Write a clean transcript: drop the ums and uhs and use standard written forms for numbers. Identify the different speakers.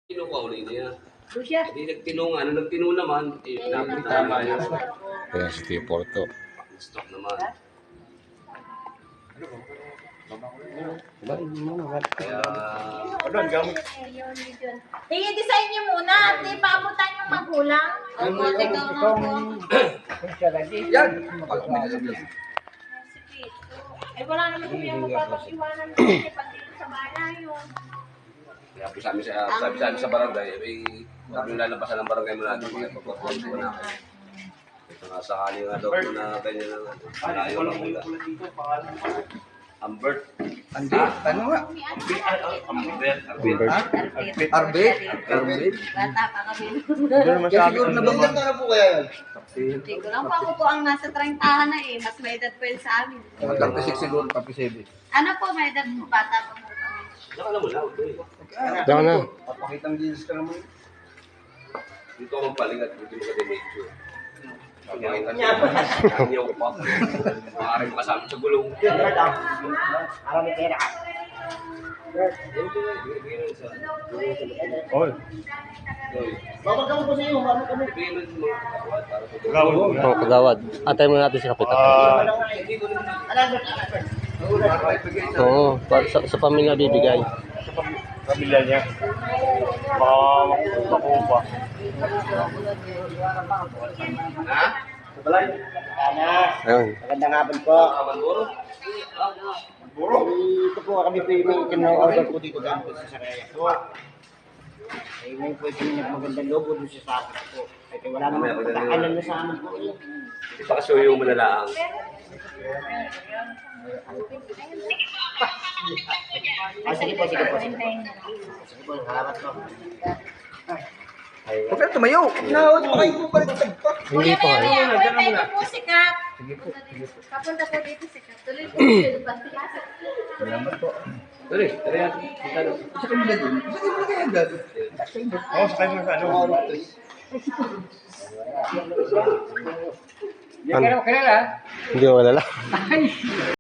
Speaker 1: Kinukuha niya.
Speaker 2: Lucia.
Speaker 1: Hindi nagtino nga. Nung nagtino naman, nakita naman niya.
Speaker 3: Ayan si Tio Porto.
Speaker 1: Stop naman. Kaya...
Speaker 2: I-design niyo muna at ipapuntan yung magulang.
Speaker 1: Yan!
Speaker 2: Eh wala naman kami ang magpapag-iwanan kasi pag dito sa bahay yun.
Speaker 1: Kaya po sabi sa barangay, sabi lalabasan ng barangay mo natin, mga ipapapagod ko na kayo. Ito nga sakali nga daw po na ganyan na malayo lang mula. Ambert.
Speaker 4: Ano nga?
Speaker 1: Arbet?
Speaker 2: Bata pa kami.
Speaker 4: Kaya siguro nabanggan ka na po kaya yan.
Speaker 2: Hindi ko lang pa ako po ang nasa 30 na eh. Mas may edad po yun sa amin.
Speaker 4: 36 siguro, 37.
Speaker 2: Ano po may edad po? Bata pa po kami.
Speaker 1: Saka alam mo na,
Speaker 3: Diyan na.
Speaker 4: Papakitang jeans ka naman.
Speaker 1: dito ako magpalingat, dito mo ka-demedyo. Pakita niya. Niya ko pa. Maaaring kasama sa gulong.
Speaker 4: Oy. Babag ka mo po sa iyo, babag kami.
Speaker 3: Oh, kagawad. Antay mo natin si Kapitan. Oo, sa pamilya bibigay.
Speaker 4: Pamilya niya. Makuha.
Speaker 1: Ha?
Speaker 3: Ayun.
Speaker 4: Magandang hapon po.
Speaker 1: Abandoro?
Speaker 4: Ito po kami po yung order po dito dyan po sa Saraya. So, ay may po yung magandang logo doon sa akin po. Ay wala naman po takalan na sa amin po.
Speaker 1: Pakasuyo mo na lang.
Speaker 4: Sige po, sige po. Sige po, salamat po. Huwag ka tumayo. Nawad pa kayo po balik pa.
Speaker 3: Hindi pa nga.
Speaker 2: Pwede tayo po sikat. Papunta po dito sikat. Tuloy po dito.
Speaker 4: Salamat po.
Speaker 1: Dali, dali natin. Kita na.
Speaker 4: Sa kanila din. Sa kanila kaya agad. Oo, sa kanila sa ano.
Speaker 3: Hindi ko kilala.